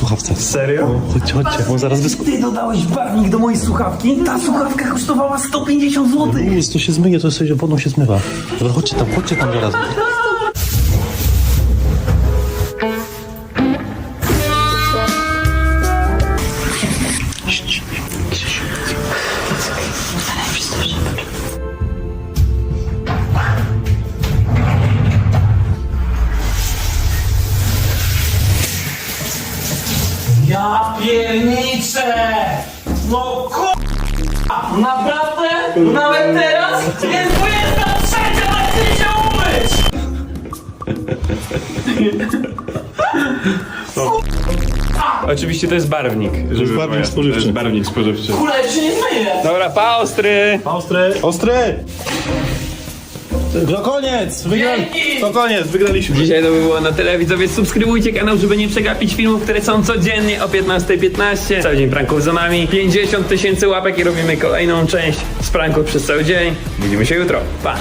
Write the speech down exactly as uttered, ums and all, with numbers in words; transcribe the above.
słuchawce. Serio? No, chodźcie, chodźcie, bo zaraz wysko... Ty dodałeś barwnik do mojej słuchawki? Ta słuchawka kosztowała sto pięćdziesiąt złotych. Luz, to się zmyje, to sobie wodą się zmywa. Dobra, chodźcie tam, chodźcie tam zaraz. Ja pierniczę! No k***a! Naprawdę? Nawet teraz? Jest dwudziesta trzecia, tak chcę się umyć! Oczywiście to jest barwnik. To jest barwnik spożywczy. To jest barwnik spożywczy. Kule, się nie zmyję! Dobra, pa, ostry! Ostry! Ostry! To koniec! Wygra... Dzięki! To koniec, wygraliśmy. Dzisiaj to by było na tyle, widzowie. Subskrybujcie kanał, żeby nie przegapić filmów, które są codziennie o piętnasta piętnaście. Cały dzień pranków za nami. pięćdziesiąt tysięcy łapek i robimy kolejną część z pranków przez cały dzień. Widzimy się jutro. Pa!